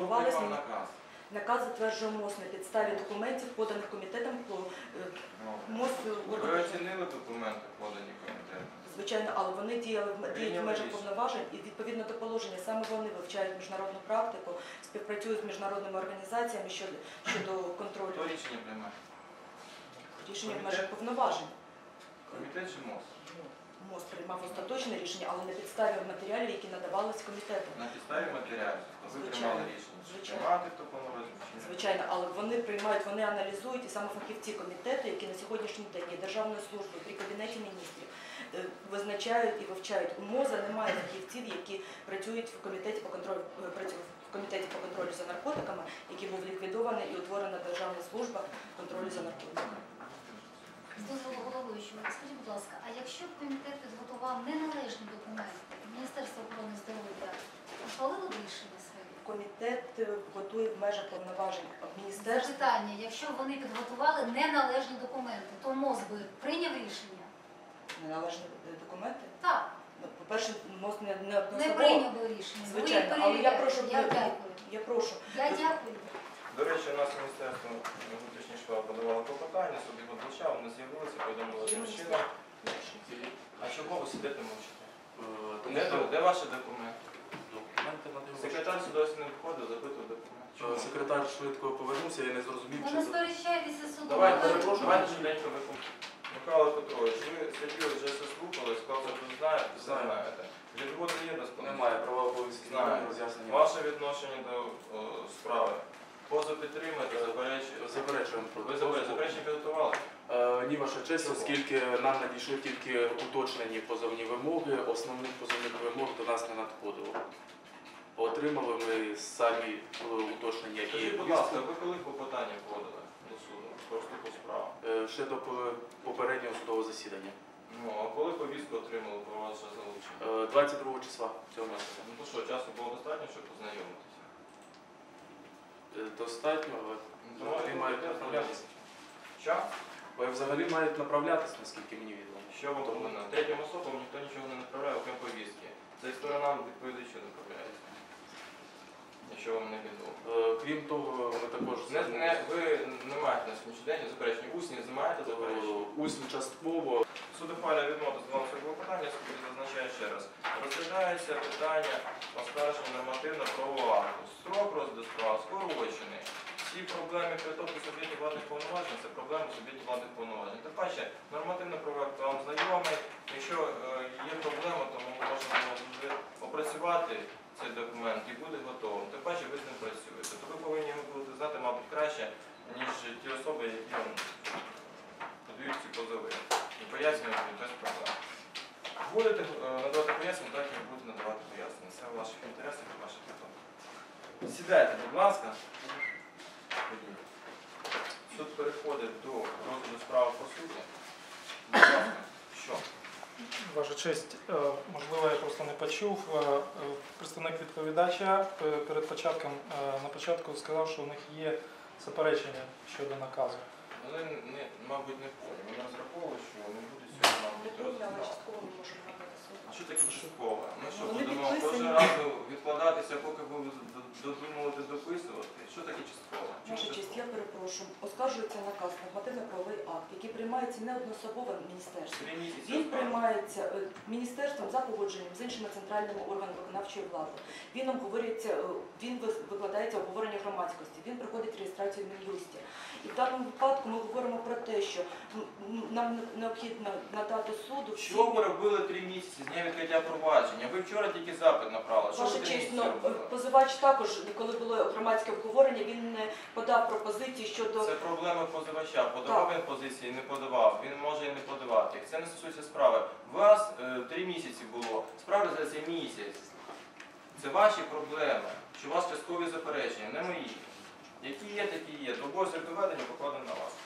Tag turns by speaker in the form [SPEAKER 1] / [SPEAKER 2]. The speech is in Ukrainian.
[SPEAKER 1] відбувалися. Наказ затверджує МОЗ на підставі документів, поданих комітетом. МОЗ...
[SPEAKER 2] Ви оцінили документи, подані комітетом?
[SPEAKER 1] Звичайно, але вони діють в межах повноважень і відповідно до положення саме вони вивчають міжнародну практику, співпрацюють з міжнародними організаціями щодо контролю.
[SPEAKER 2] Хто рішення приймає?
[SPEAKER 1] Рішення в межах повноважень.
[SPEAKER 2] Комітет чи МОЗ?
[SPEAKER 1] МОЗ приймав остаточне рішення, але на підставі матеріалів, які надавалися комітету.
[SPEAKER 2] На підставі матеріалів? Ви приймали рішення? Приймати в такому розміщенні?
[SPEAKER 1] Звичайно, але вони приймають, вони аналізують, і саме фахівці комітету, які на сьогоднішній день є Державною службою при Кабінеті міністрів, визначають і вивчають. У МОЗа немає фахівців, які працюють в комітеті по контролю за наркотиками, який був ліквідований і утворена Державна служба контролю за наркотиками.
[SPEAKER 3] З дозволу головуючого, скажіть, будь ласка, а якщо б комітет підготував неналежні документи, Міністерство охорони здоров'я ухвалило б рішення своє?
[SPEAKER 1] Комітет готує в межах повноважень міністерства.
[SPEAKER 3] Запитання, якщо б вони підготували неналежні документи, то МОЗ би прийняв рішення?
[SPEAKER 1] Неналежні документи?
[SPEAKER 3] Так.
[SPEAKER 1] По-перше, МОЗ не
[SPEAKER 3] Не прийняв би рішення.
[SPEAKER 1] Звичайно, але я прошу.
[SPEAKER 3] Я дякую.
[SPEAKER 2] До речі, у нас Міністерство внутрішніх справ подавало клопотання, суд його долучав, вони з'явилися, повідомили одним чином. А чого ви сидите мовчите? Де ваші документи? Секретар судові не виходив, запитував документи.
[SPEAKER 4] Секретар швидко повернувся, я не зрозумів,
[SPEAKER 3] Ви не сперечайтеся з судом.
[SPEAKER 2] Давайте швиденько виконуємо. Михайло Петрович, ви сиділи, вже все слухали, сказали, що знаєте, все знаєте. Для чого це є безпомогти?
[SPEAKER 4] Немає права обов'язків, немає роз'яснення.
[SPEAKER 2] Ваше відношення до справи. Позов підтримуєте, заперечуєте?
[SPEAKER 4] Заперечуємо.
[SPEAKER 2] Ви заперечення підготували?
[SPEAKER 4] Ні, ваша честь, оскільки нам надійшли тільки уточнені позовні вимоги, основних позовних вимог до нас не надходило. Отримали ми самі уточнення і...
[SPEAKER 2] Скажіть, будь ласка, ви коли клопотання подали до суду про вступу справу?
[SPEAKER 4] Ще до попереднього судового засідання.
[SPEAKER 2] Ну, а коли повістку отримали про ваше залучення?
[SPEAKER 4] 22 числа цього місяця.
[SPEAKER 2] Ну то що, часу було достатньо, щоб познайомитися?
[SPEAKER 4] Достатньо, але взагалі мають направлятися.
[SPEAKER 2] Що?
[SPEAKER 4] Ви взагалі мають направлятися, наскільки мені відомо.
[SPEAKER 2] Що вам повинно? Третім особам ніхто нічого не направляє, окрім повістки. Це і сторонам відповідачу направляється. Якщо вам не відомо.
[SPEAKER 4] Крім того, ми також...
[SPEAKER 2] Ви не маєте на сьогоднішній день заперечення. Усні знімаєте заперечення?
[SPEAKER 4] Усні частково.
[SPEAKER 2] Суд ухвалює відмову з балансу клопотання, суд зазначає ще раз. Розглядається питання оскарження нормативно-правового акту. Строк розгляду справ скорочений. Всі проблеми підготовки суб'єктів владних повноважень – це проблеми суб'єктів владних повноважень. Тим паче, нормативно-правовий акт вам знайомий. Якщо є проблема, то ми можемо опрацювати цей документ і буде готовим. Тим паче ви з ним працюєте. То ви повинні його будете знати, мабуть, краще, ніж ті особи, які вам подають ці позови. І пояснюють без проблем. Будете надавати пояснення, так і будете надавати пояснення. Це в ваших інтересах і ваших методах. Сідайте, будь ласка. Суд переходить до розгляду справи по суті. Будь ласка, що?
[SPEAKER 5] Ваша честь, можливо, я просто не почув. Представник відповідача перед початком, на початку сказав, що у них є заперечення щодо наказу.
[SPEAKER 2] Вони, мабуть, не поняли. Вони розраховували, що не будуть сьогодні, мабуть, розглядати. А що таке частково? Ми що, будемо кожен раз відкладатися, поки будемо додумувати, дописувати? Що таке частково?
[SPEAKER 1] Ваша честь, я перепрошую. Оскаржується наказ, нормативно-правовий акт, який приймається не одноособово міністерством. Він приймається міністерством за погодженням з іншими центральними органами виконавчої влади. Він обговорюється, він викладається обговорення громадськості, він проходить реєстрацію в Мін'юсті. І в даному випадку ми говоримо про те, що нам необхідно надати суду...
[SPEAKER 2] Що ви робили 3 місяці з дня відкриття провадження? Ви вчора тільки запит направили.
[SPEAKER 1] Ваша честь, позивач також, коли було громадське обговорення, він не подав пропозиції щодо...
[SPEAKER 2] Це проблеми позивача. Подавав він позиції, не подавав. Він може і не подавати. Це не стосується справи. У вас 3 місяці було. Справа за цей місяць. Це ваші проблеми, що у вас часткові заперечення, не мої. Які є, такі є. Обов'язок доведення покладено на вас.